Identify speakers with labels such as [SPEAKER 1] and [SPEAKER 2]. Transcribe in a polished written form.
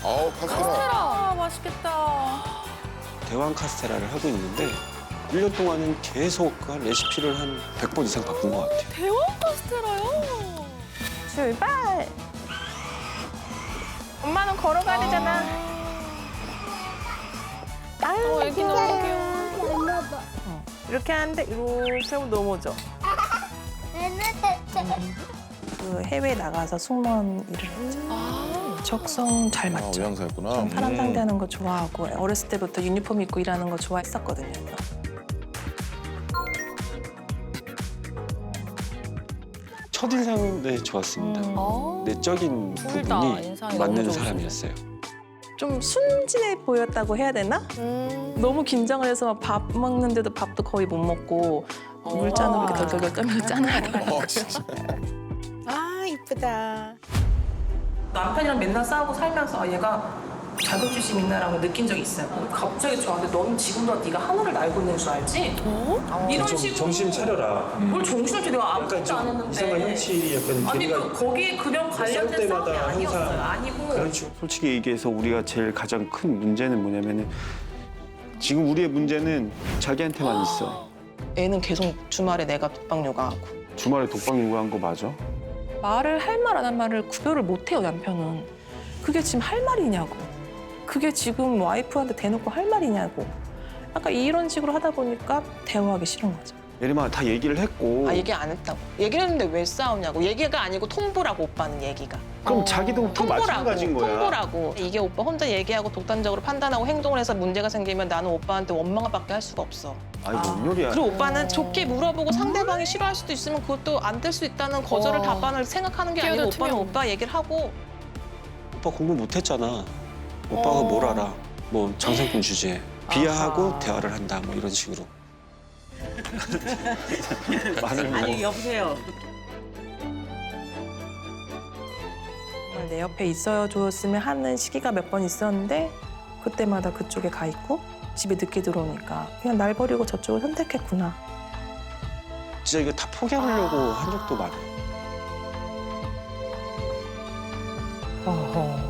[SPEAKER 1] 카스테라.
[SPEAKER 2] 아, 맛있겠다.
[SPEAKER 3] 대왕 카스테라를 하고 있는데 1년 동안은 계속 그 레시피를 한 100번 이상 바꾼 것 같아요.
[SPEAKER 2] 대왕 카스테라요?
[SPEAKER 4] 출발! 엄마는 걸어가야 되잖아. 아유,
[SPEAKER 2] 애기 너무 귀여워.
[SPEAKER 4] 이렇게 하는데 이렇게 하면 넘어져. 그 해외 나가서 승무원 일을 했죠. 적성 잘 맞죠.
[SPEAKER 1] 의향사였구나.
[SPEAKER 4] 전 사람 상대하는 거 좋아하고 어렸을 때부터 유니폼 입고 일하는 거 좋아했었거든요.
[SPEAKER 3] 첫인상은 네, 좋았습니다. 내적인
[SPEAKER 2] 둘다
[SPEAKER 3] 부분이
[SPEAKER 2] 인상이
[SPEAKER 3] 맞는
[SPEAKER 2] 너무
[SPEAKER 3] 사람이었어요.
[SPEAKER 4] 좀 순진해 보였다고 해야 되나? 너무 긴장을 해서 밥 먹는데도 밥도 거의 못 먹고 물잔으로 이렇게 덜덜덜 떨면서 짠을 하더라고요.
[SPEAKER 1] 진짜.
[SPEAKER 4] 아, 이쁘다. 남편이랑 맨날 싸우고 살면서 아, 얘가 자격지심 있나라고 느낀 적이 있어요. 갑자기 저한테 너는 지금도 네가 하늘을 날고 있는 줄 알지? 이런 식으로
[SPEAKER 5] 정신 차려라.
[SPEAKER 4] 뭘 정신을 차려 내가 아무것도 안 했는데
[SPEAKER 5] 이상한 형치 약간
[SPEAKER 4] 아니
[SPEAKER 5] 걔네가
[SPEAKER 4] 거기에 그냥 관련된 싸움이
[SPEAKER 5] 때마다
[SPEAKER 4] 아니었어요.
[SPEAKER 5] 항상
[SPEAKER 4] 아니고
[SPEAKER 5] 그런 식으로
[SPEAKER 3] 솔직히 얘기해서 우리가 제일 가장 큰 문제는 뭐냐면은 지금 우리의 문제는 자기한테만 있어.
[SPEAKER 4] 애는 계속 주말에 내가 독박 육아하고
[SPEAKER 3] 주말에 독박 요구한 거 맞아?
[SPEAKER 4] 말을 할 말 안 한 말을 구별을 못 해요, 남편은. 그게 지금 할 말이냐고. 그게 지금 와이프한테 대놓고 할 말이냐고. 약간 이런 식으로 하다 보니까 대화하기 싫은 거죠.
[SPEAKER 3] 예림아 다 얘기를 했고
[SPEAKER 4] 아, 얘기 안 했다고. 얘기를 했는데 왜 싸우냐고. 얘기가 아니고 통보라고, 오빠는 얘기가.
[SPEAKER 3] 그럼 자기도 그 마찬가지인 거야.
[SPEAKER 4] 통보라고. 이게 오빠 혼자 얘기하고 독단적으로 판단하고 행동을 해서 문제가 생기면 나는 오빠한테 원망밖에 할 수가 없어.
[SPEAKER 3] 아니 뭔 요리야.
[SPEAKER 4] 그리고 오빠는 좋게 물어보고 상대방이 싫어할 수도 있으면 그것도 안 될 수 있다는 거절을 답안을 생각하는 게 아니고
[SPEAKER 2] 끼어들
[SPEAKER 4] 오빠는
[SPEAKER 2] 투명.
[SPEAKER 4] 오빠 얘기를 하고
[SPEAKER 3] 오빠 공부 못했잖아. 오빠가 뭘 알아. 뭐 장생꾼 주제에 비하하고
[SPEAKER 4] 아하.
[SPEAKER 3] 대화를 한다 뭐 이런 식으로. 말을 뭐.
[SPEAKER 6] 아니 여보세요.
[SPEAKER 4] 정말 내 옆에 있어 줬으면 하는 시기가 몇 번 있었는데 그때마다 그쪽에 가 있고 집에 늦게 들어오니까 그냥 날 버리고 저쪽을 선택했구나.
[SPEAKER 3] 진짜 이거 다 포기하려고 한 적도 많아.
[SPEAKER 4] 어허.